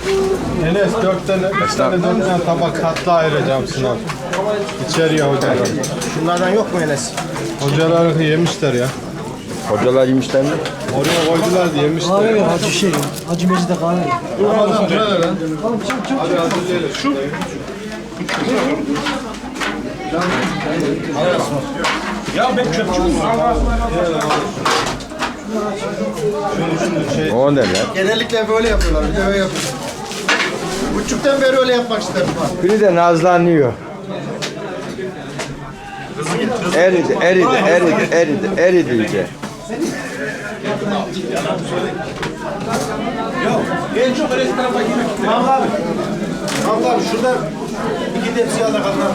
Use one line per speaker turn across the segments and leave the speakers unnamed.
Enes 4 tane, 3 tane 4 tane tabak tatlı ayıracağım sınav. İçeriye hocalar.
Şunlardan yok mu Enes?
Hocalar yemişler ya.
Hocalar yemişler mi?
Oraya koydular diye yemişler.
Kahve ver Hacı şey. Hacı Mecit'e kahve ver.
Ramazan şöyle lan. Hadi hazırlayalım. Şu.
Ya ben çöpçü müyüm?
O ne lan?
Genellikle böyle yapıyorlar. Bir de öyle yapıyorlar. Buçuktan beri öyle yapmak istedim.
Biri de nazlanıyor. Eridi iyice.
En çok öyle tarafa girmek. Mahmut abi. Mahmut abi şurada iki tepsi yağda kadar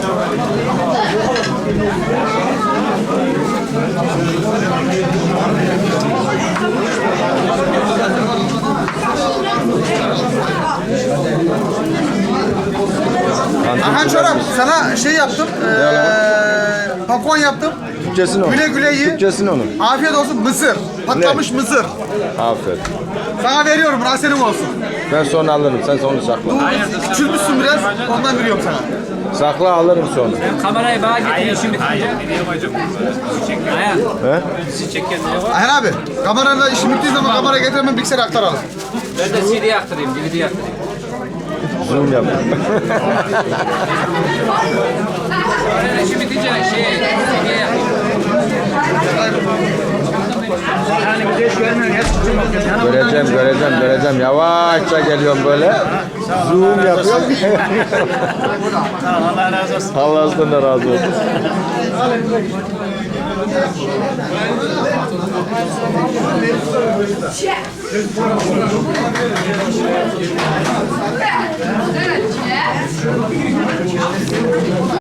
Aha Çorap sana şey yaptım. Popcorn yaptım.
Türkçesini onu.
Güle güle ye.
Türkçesini onu.
Afiyet olsun mısır. Patlamış mısır.
Aferin.
Sana veriyorum burası senin olsun.
Ben sonra alırım. Sen sonra sakla.
Küçülmüşsün biraz ondan veriyorum sana.
Sakla alırım sonra.
Kamerayı bana getir işim bitince. Ayhan.
He?
Sizi çekenlere var.
Ayhan abi kamerayla işim bittiği zaman kamera getirmem bilgisayara aktaralım.
Ben de CD yaktırayım, DVD yaktırayım.
Zoom yap.
Ben işim bitince CD yapayım.
Göreceğim. Yavaşça geliyorum böyle. Zoom yapıyorum.
Allah razı olsun.
Allah senden razı olsun.